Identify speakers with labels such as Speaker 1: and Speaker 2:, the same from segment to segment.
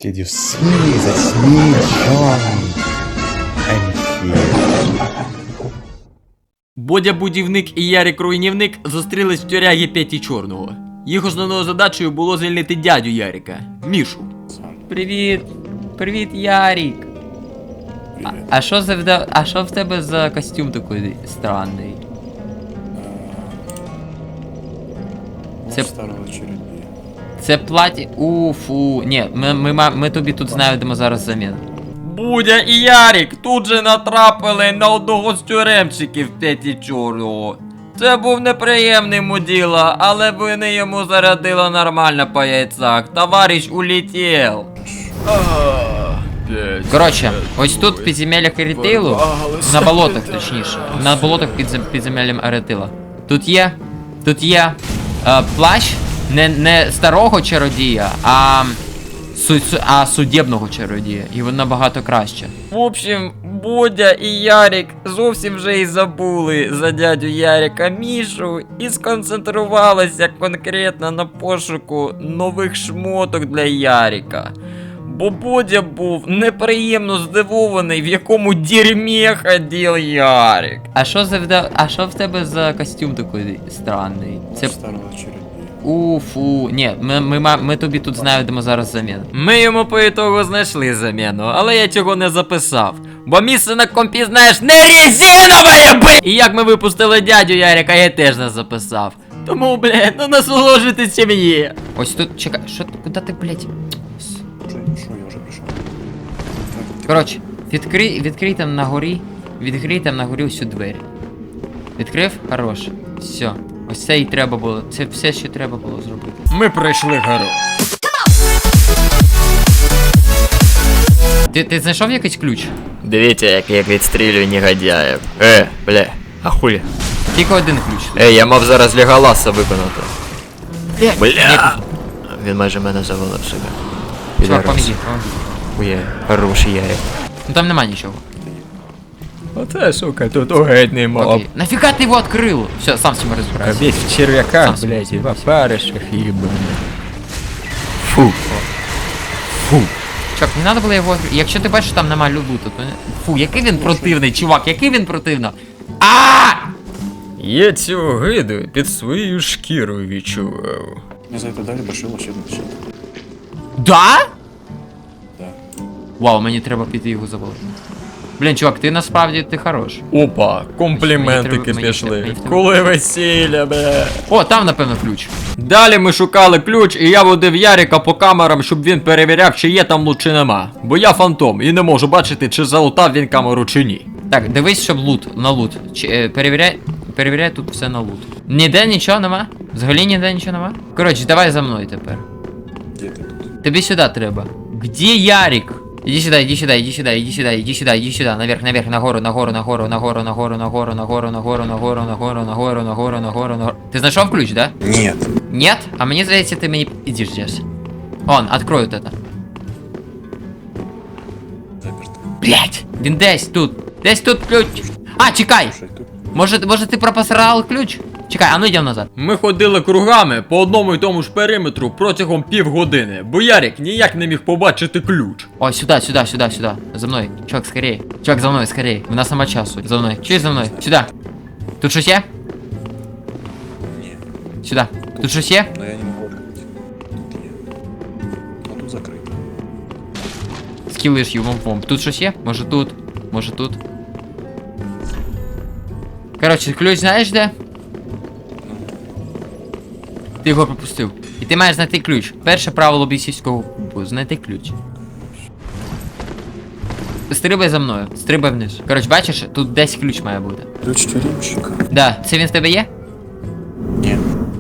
Speaker 1: Did you see me? That's me, John. I'm here.
Speaker 2: Бодя Будівник і Ярик Руйнівник зустрілись в тюрягі Петі Чорного. Їх основною задачею було звільнити дядю Ярика, Мішу. Привіт. Привіт, Ярик. А що в тебе за костюм такий странний? Це
Speaker 1: Старого черепія.
Speaker 2: Це платі... Уфу. Ні, ми тобі тут знайдемо зараз заміну. Будя і Ярик тут же натрапили на одного з тюремщиків Петі Чорного. Це був неприємний муділа, але вони йому зарядили нормально по яйцях. Товариш улетів. Коротше, ось тут в підземеллях Арітейлу, на болотах точніше, на болотах підземеллям Арітейла. Тут є плащ не старого чародія, а судебного чародія, і він набагато краще. В общем, Бодя і Ярик зовсім вже і забули за дядю Ярика Мішу і сконцентрувалися конкретно на пошуку нових шмоток для Ярика. Бо Бодя був неприємно здивований, в якому дерьмі ходив Ярик. А що в тебе за костюм такий странний? Це
Speaker 1: Старого черепія.
Speaker 2: Уфу. Ні, ми тобі тут знайдемо зараз заміну. Ми йому по ітогу знайшли заміну, але я цього не записав. Бо місце на компі, знаєш, не резинове, б! І як ми випустили дядю Ярика, я теж не записав. Тому, блядь, ну насолоджуйтесь чим є. Ось тут, чекай, що, куди ти, блядь?
Speaker 1: Що, я вже прийшов.
Speaker 2: Коротше, відкрий там на горі, всю двері. Відкрив? Хорош. Все. Ось це і треба було. Це все, що треба було зробити. Ми пройшли гору. Ти знайшов якийсь ключ?
Speaker 3: Дивіться, як я відстрілюю негодяїв. Бля, а хулі?
Speaker 2: Тільки один ключ.
Speaker 3: Я мав зараз Леголаса виконати. Бля! Він майже мене завалив себе.
Speaker 2: Чувак, поміги.
Speaker 3: Ує, хороший Ярик.
Speaker 2: Ну там нема нічого.
Speaker 3: Оце, сука, тут огидний моб.
Speaker 2: Окей. Нафіга ти його відкрив? Все, сам з цим розбирайся.
Speaker 3: Весь в черв'яках,
Speaker 2: Сам
Speaker 3: блядь, і
Speaker 2: собі.
Speaker 3: в опаришах, ебаный. Фу.
Speaker 2: Чувак, не треба було його відкрити. Якщо ти бачиш, що там нема луту, то не... Фу, який він противний, чувак, який він противний.
Speaker 3: Я цю гиду під своєю шкірою відчував.
Speaker 1: Не зайти далі, башило ще одну щит.
Speaker 2: Да?
Speaker 1: Да.
Speaker 2: Вау, мені треба піти його завалити. Блін, чувак, ти насправді ти хорош.
Speaker 3: Опа, компліментики
Speaker 2: Мені
Speaker 3: пішли.
Speaker 2: треба.
Speaker 3: Коли весілля, бля.
Speaker 2: О, там, напевно, ключ.
Speaker 3: Далі ми шукали ключ, і я водив Ярика по камерам, щоб він перевіряв, чи є там лут, чи нема. Бо я фантом і не можу бачити, чи залутав він камеру, чи ні.
Speaker 2: Так, дивись, щоб на лут. Перевіряй тут все на лут. Ніде нічого нема? Взагалі ніде нічого нема? Коротше, давай за мною тепер.
Speaker 1: Де ти тут?
Speaker 2: Тобі сюди треба. Где Ярик? Иди сюда, иди сюда, иди сюда, иди сюда, иди сюда, иди сюда, наверх, наверх, нагору, нагору, нагору, нагору, нагору, нагору, нагору, нагору, нагору, нагору, нагору, нагору, нагору, нагору. Ти знайшов ключ, да?
Speaker 1: Нет.
Speaker 2: Нет? А мені здається, ти мені ідиш здесь. Он, открой вот это.
Speaker 1: Заперто.
Speaker 2: Блять, він десь тут. Десь тут ключ. А, чекай.
Speaker 1: Слушай, тут.
Speaker 2: Може ти пропасрав ключ? Чекай, а ну йдемо назад.
Speaker 3: Ми ходили кругами по одному й тому ж периметру протягом півгодини, бо Ярик ніяк не міг побачити ключ.
Speaker 2: Ой, сюда. За мною. Чувак, скорее. Чувак, за мною, скорее. У нас нема часу. За мною. Чуєш за мною? Сюда. Тут щось є?
Speaker 1: Ні.
Speaker 2: Сюда. Тут щось є?
Speaker 1: Но я не можу відкрити. Тут є. А тут закрито.
Speaker 2: Скілиш юмом. Тут щось є? Може тут? Може тут? Коротше, ключ знаєш де? Ти його пропустив. І ти маєш знайти ключ. Перше правило бійцівського клубу. Знайти ключ. Стрибай за мною. Стрибай вниз. Коротше, бачиш, тут десь ключ має бути.
Speaker 1: Ключ тюремщика.
Speaker 2: Да, це він в тебе є?
Speaker 1: Ні.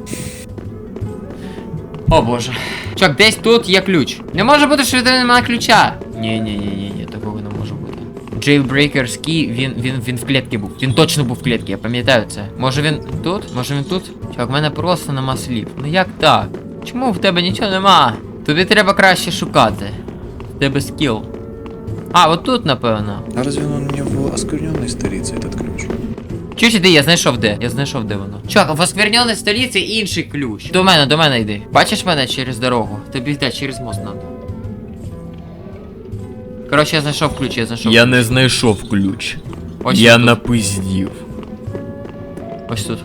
Speaker 2: О боже. Чувак, десь тут є ключ. Не може бути, що в тебе немає ключа. Ні, такого не може бути. Jailbreaker's Key, він в клітці був. Він точно був в клітці, я пам'ятаю це. Може він тут? Може він тут? Чувак, в мене просто нема слів. Ну як так? Чому в тебе нічого нема? Тобі треба краще шукати. В тебе скіл. А, от тут, напевно.
Speaker 1: А разве он не в оскверненной столице, этот ключ?
Speaker 2: Чуєш, іди, я знайшов де. Я знайшов де воно. Чувак, в оскверненій столиці інший ключ. До мене йди. Бачиш мене через дорогу? Тобі йде через мост надо. Коротше, я знайшов ключ, я знайшов.
Speaker 3: Я не знайшов ключ.
Speaker 2: Ось
Speaker 3: Я
Speaker 2: тут.
Speaker 3: напиздів.
Speaker 2: Ось тут.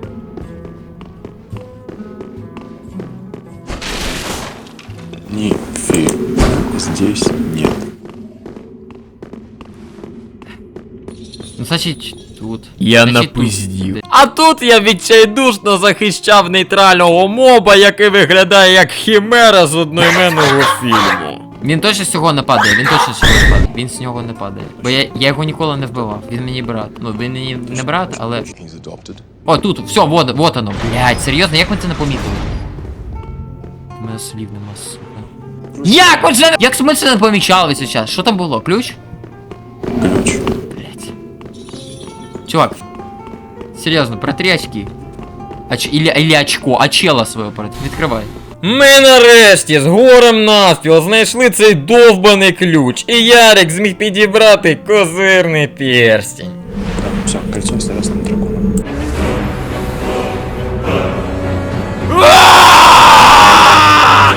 Speaker 4: Нифига здесь нет.
Speaker 2: Ну, значить, тут.
Speaker 3: Я
Speaker 2: Значить, тут.
Speaker 3: напиздів. А тут я відчайдушно захищав нейтрального моба, який виглядає як хімера з одноіменного фільму.
Speaker 2: Він точно з цього не падає, він точно з цього не падає. Він з нього не падає. Бо я його ніколи не вбивав. Він мені брат. Ну, він мені не брат, але.
Speaker 4: He's adopted.
Speaker 2: О, тут, все, вот оно. Блять, серйозно, як ми це не помітили? У мене слів нема, сука. Як ви це? Як ми це не помічали весь час? Що там було? Ключ?
Speaker 4: Ключ.
Speaker 2: Блять. Чувак. Серйозно, протри очки. Или очко, очела свого протри. Відкривай.
Speaker 3: Ми нарешті з горем навпіл знайшли цей довбаний ключ, і Ярик зміг підібрати козирний перстень.
Speaker 4: Да, все, кольцо с красным драконом.